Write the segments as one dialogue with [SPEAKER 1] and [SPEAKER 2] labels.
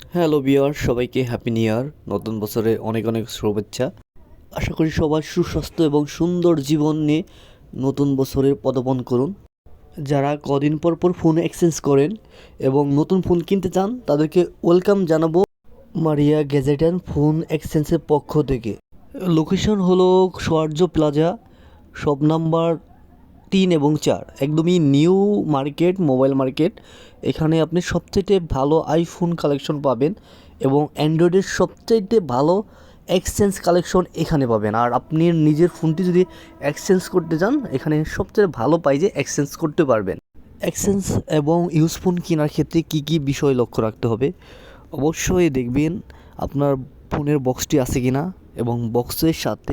[SPEAKER 1] Hello viewer, সবাইকে happy new year. নতুন বছরে অনেক অনেক শুভেচ্ছা। আশা করি সবাই সুস্বাস্থ্য এবং সুন্দর জীবন নিয়ে নতুন বছরের পদার্পণ করুন। যারা কদিন পর পর ফোন এক্সচেঞ্জ করেন এবং নতুন ফোন কিনতে চান তাদেরকে ওয়েলকাম জানাবো মারিয়া গ্যাজেট অ্যান্ড ফোন এক্সচেঞ্জের পক্ষ থেকে। লোকেশন হলো সৌর্য প্লাজা, শপ নাম্বার 3 এবং 4, একদমই নিউ মার্কেট, মোবাইল মার্কেট। এখানে আপনি সবচেয়ে ভালো আইফোন কালেকশন পাবেন এবং অ্যান্ড্রয়েডের সবচাইতে ভালো এক্সচেঞ্জ কালেকশন এখানে পাবেন। আর আপনি নিজের ফোনটি যদি এক্সচেঞ্জ করতে চান, এখানে সবচেয়ে ভালো পাই যে এক্সচেঞ্জ করতে পারবেন। এক্সচেঞ্জ এবং ইউজ ফোন কেনার ক্ষেত্রে কী কী বিষয় লক্ষ্য রাখতে হবে? অবশ্যই দেখবেন আপনার ফোনের বক্সটি আছে কিনা এবং বক্সের সাথে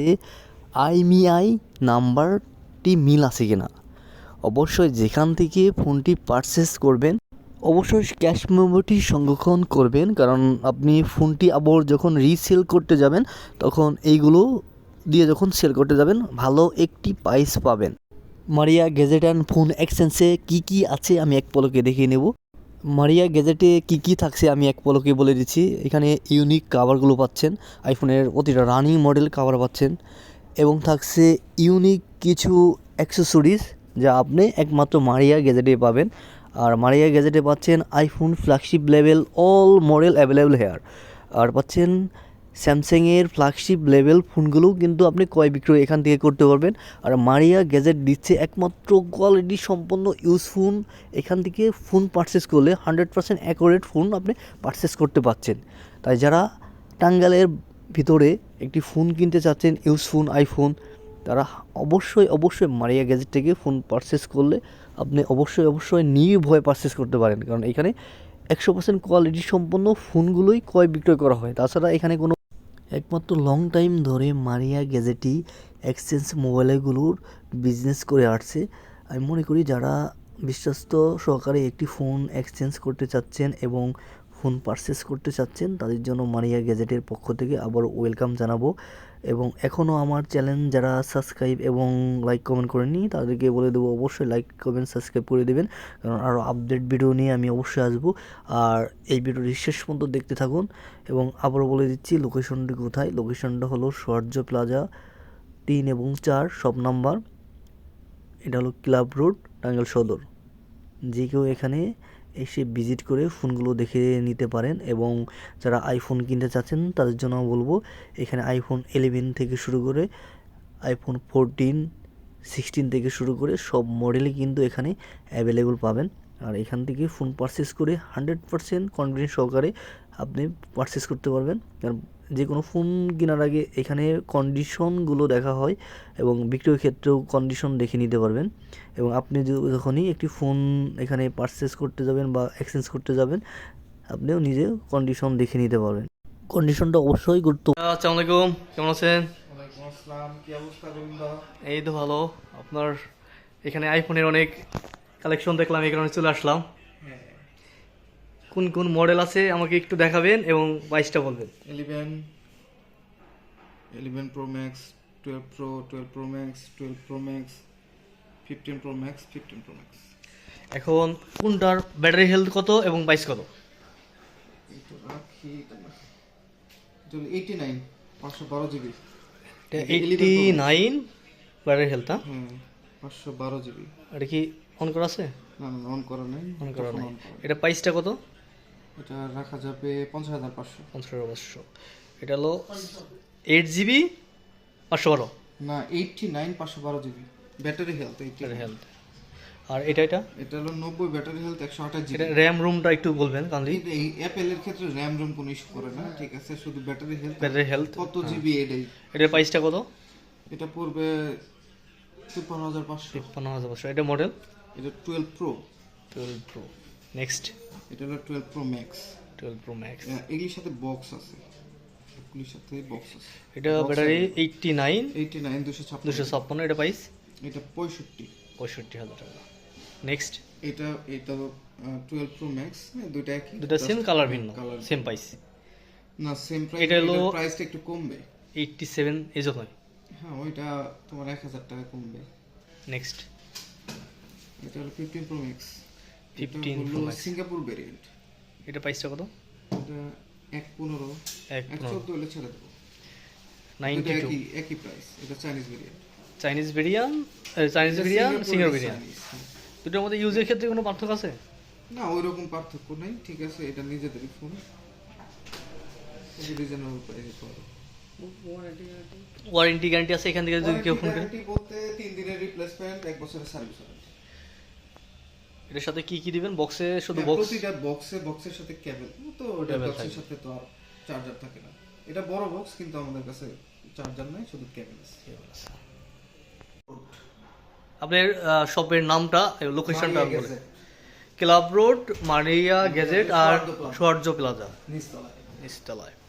[SPEAKER 1] আইএমইআই নাম্বারটি মিল আছে কিনা। অবশ্যই যেখান থেকে ফোনটি পারচেস করবেন অবশ্যই ক্যাশ মেমোটি সংরক্ষণ করবেন, কারণ আপনি ফোনটি আবার যখন রিসেল করতে যাবেন তখন এইগুলো দিয়ে যখন সেল করতে যাবেন ভালো একটি প্রাইস পাবেন। মারিয়া গ্যাজেট অ্যান্ড ফোন এক্সচেঞ্জে কী কী আছে আমি এক পলকে দেখিয়ে নেব। মারিয়া গ্যাজেটে কী কী থাকছে আমি এক পলকে বলে দিচ্ছি। এখানে ইউনিক কাভারগুলো পাচ্ছেন, আইফোনের প্রতিটা রানিং মডেল কাভার পাচ্ছেন এবং থাকছে ইউনিক কিছু অ্যাক্সেসরিজ যা আপনি একমাত্র মারিয়া গ্যাজেটে পাবেন। আর মারিয়া গ্যাজেটে পাচ্ছেন iPhone flagship level all model available here. আর পাচ্ছেন স্যামসাংয়ের ফ্ল্যাগশিপ লেভেল ফোনগুলোও কিন্তু আপনি ক্রয় বিক্রয় এখান থেকে করতে পারবেন। আর মারিয়া গ্যাজেট দিচ্ছে একমাত্র কোয়ালিটি সম্পন্ন ইউজ ফোন। এখান থেকে ফোন পারচেস করলে 100% অ্যাকুরেট ফোন আপনি পারচেস করতে পারছেন। তাই যারা টাঙ্গাইলের ভিতরে একটি ফোন কিনতে চাচ্ছেন, ইউজ ফোন আইফোন, তারা অবশ্যই মারিয়া গ্যাজেট থেকে ফোন পারচেস করলে আপনি অবশ্যই নির্ভয়ে পারচেস করতে পারেন, কারণ এখানে 100% কোয়ালিটি সম্পন্ন ফোনগুলোই ক্রয় বিক্রয় করা হয়। তাছাড়া এখানে কোনো একমাত্র লং টাইম ধরে মারিয়া গ্যাজেটই এক্সচেঞ্জ মোবাইলগুলোর বিজনেস করে আসছে। আমি মনে করি যারা বিশ্বস্ত সহকারে একটি ফোন এক্সচেঞ্জ করতে চাচ্ছেন এবং ফোন পারচেস করতে চাচ্ছেন তাদের জন্য মারিয়া গ্যাজেটের পক্ষ থেকে আবার ওয়েলকাম জানাবো। এবং এখনও আমার চ্যানেল যারা সাবস্ক্রাইব এবং লাইক কমেন্ট করেননি তাদেরকে বলে দেবো অবশ্যই লাইক কমেন্ট সাবস্ক্রাইব করে দেবেন, কারণ আরও আপডেট ভিডিও নিয়ে আমি অবশ্যই আসবো। আর এই ভিডিওটি শেষ পর্যন্ত দেখতে থাকুন। এবং আবারও বলে দিচ্ছি লোকেশনটি কোথায়। লোকেশনটা হলো সৌর্য প্লাজা 3 এবং 4, শপ নাম্বার, এটা হলো ক্লাব রোড, টাঙ্গাইল সদর। যে কেউ এখানে এসে ভিজিট করে ফোনগুলো দেখে নিতে পারেন। এবং যারা আইফোন কিনতে চাচ্ছেন তাদের জন্য বলবো এখানে আইফোন 11 থেকে শুরু করে আইফোন 14, 16 থেকে শুরু করে সব মডেলই কিন্তু এখানে অ্যাভেলেবল পাবেন। আর এখান থেকে ফোন পারচেস করে 100% কনফিডেন্স সহকারে আপনি পারচেস করতে পারবেন। কারণ যে কোনো ফোন কেনার আগে এখানে কন্ডিশনগুলো দেখা হয় এবং বিক্রয়ের ক্ষেত্রেও কন্ডিশন দেখে নিতে পারবেন। এবং আপনি যখনই একটি ফোন এখানে পারচেস করতে যাবেন বা এক্সচেঞ্জ করতে যাবেন আপনিও নিজে কন্ডিশন দেখে নিতে পারবেন। কন্ডিশনটা অবশ্যই গুরুত্বপূর্ণ। আসসালামু আলাইকুম, কেমন আছেন?
[SPEAKER 2] ওয়ালাইকুম আসসালাম, কি অবস্থা গোবিন্দ?
[SPEAKER 1] এই তো ভালো। আপনার এখানে আইফোনের অনেক কালেকশন দেখলাম, এই কারণে চলে আসলাম।
[SPEAKER 2] হ্যাঁ,
[SPEAKER 1] কোন কোন মডেল আছে আমাকে একটু দেখাবেন এবং প্রাইসটা বলবেন।
[SPEAKER 2] 11 pro max, 12 pro, 12 pro max, 12 pro max, 15 pro max, 15 pro max.
[SPEAKER 1] এখন কোনটার ব্যাটারি হেলথ কত এবং প্রাইস কত?
[SPEAKER 2] এটা রাখি তোমার 89 512 জিবি।
[SPEAKER 1] 89 battery health.
[SPEAKER 2] হ্যাঁ, 512 জিবি।
[SPEAKER 1] এটা কি অন করা আছে?
[SPEAKER 2] না না, অন করা নাই।
[SPEAKER 1] অন করা
[SPEAKER 2] তখন
[SPEAKER 1] নাই।
[SPEAKER 2] on করা।
[SPEAKER 1] এটা প্রাইসটা কত?
[SPEAKER 2] এটা রাখা যাবে 50,500।
[SPEAKER 1] 15,500। এটা হলো 8 জিবি 512
[SPEAKER 2] না, 89 512 GB battery health.
[SPEAKER 1] Battery health. আর এটা
[SPEAKER 2] এটা হলো 90 ব্যাটারি হেলথ, 128 জিবি।
[SPEAKER 1] এটা র্যাম রুমটা একটু বলবেন কাইন্ডলি।
[SPEAKER 2] এই অ্যাপেল এর ক্ষেত্রে র্যাম রোম কোনো ইস্যু করে না, ঠিক আছে, শুধু
[SPEAKER 1] ব্যাটারি হেলথ
[SPEAKER 2] কত জিবি এটাই।
[SPEAKER 1] এটার প্রাইসটা কত?
[SPEAKER 2] এটা পড়বে 53,500।
[SPEAKER 1] 55,500। এটা মডেল
[SPEAKER 2] এটা 12 প্রো।
[SPEAKER 1] 12 প্রো। নেক্সট
[SPEAKER 2] এটা হলো 12 প্রো ম্যাক্স।
[SPEAKER 1] 12 pro max.
[SPEAKER 2] এগুলির সাথে বক্স আছে, এগুলির সাথে বক্স আছে।
[SPEAKER 1] এটা ব্যাটারি 89
[SPEAKER 2] 89 256।
[SPEAKER 1] 256। এটা প্রাইস
[SPEAKER 2] এটা
[SPEAKER 1] 65,000 টাকা। নেক্সট
[SPEAKER 2] এটা এটা 12 প্রো ম্যাক্স। দুইটা একই,
[SPEAKER 1] দুটো সেম কালার ভিন্ন,
[SPEAKER 2] কালার
[SPEAKER 1] সেম প্রাইস।
[SPEAKER 2] না, সেম প্রাইস।
[SPEAKER 1] এটা হলো
[SPEAKER 2] প্রাইসটা একটু কমবে।
[SPEAKER 1] 87 এই জন্য।
[SPEAKER 2] হ্যাঁ, ওইটা তোমার 1000 টাকা কমবে।
[SPEAKER 1] নেক্সট
[SPEAKER 2] এটা হলো 15 pro max.
[SPEAKER 1] 15 pro max.
[SPEAKER 2] Singapore variant.
[SPEAKER 1] এটা প্রাইসটা কত?
[SPEAKER 2] এটা 1.15
[SPEAKER 1] এক
[SPEAKER 2] 1.14 হলে ছেড়ে দেবো। এটা
[SPEAKER 1] 92
[SPEAKER 2] একই প্রাইস। এটা চাইনিজ ভেরিয়েন্ট।
[SPEAKER 1] চাইনিজ বিরিয়ান সিঙ্গার বিরিয়ান দুটোর মধ্যে ইউজের ক্ষেত্রে কোনো পার্থক্য আছে?
[SPEAKER 2] না ওইরকম পার্থক্য নেই, ঠিক আছে। এটা নিজেদেরই ফোন, রিজনেবল প্রাইসে পাবো।
[SPEAKER 1] ওয়ারেন্টি গ্যারান্টি আছে এখান থেকে যদি কেউ ফোন করে?
[SPEAKER 2] ওয়ারেন্টি বলতে 3 দিনের রিপ্লেসমেন্ট, 1 বছরের সার্ভিস ওয়ারেন্টি।
[SPEAKER 1] এটার সাথে কি কি দিবেন? বক্সে শুধু
[SPEAKER 2] হ্যাঁ,
[SPEAKER 1] বক্স?
[SPEAKER 2] প্রতিটা বক্সের সাথে কেবল, তো ওটা
[SPEAKER 1] Cable
[SPEAKER 2] বক্সের
[SPEAKER 1] থাকবে।
[SPEAKER 2] সাথে তো আর চার্জার থাকে না। এটা বড় বক্স কিন্তু আমাদের কাছে চার্জার নাই, শুধু কেবল আছে।
[SPEAKER 1] আপনার শপের নামটা লোকেশনটা
[SPEAKER 2] মারিয়া
[SPEAKER 1] বলে?
[SPEAKER 2] Gadget,
[SPEAKER 1] club road, Maria gadget আর
[SPEAKER 2] সৌহার্দ্য প্লাজা।
[SPEAKER 1] সৌহার্দ্য প্লাজা,
[SPEAKER 2] নিচতলায়।
[SPEAKER 1] নিচতলায়।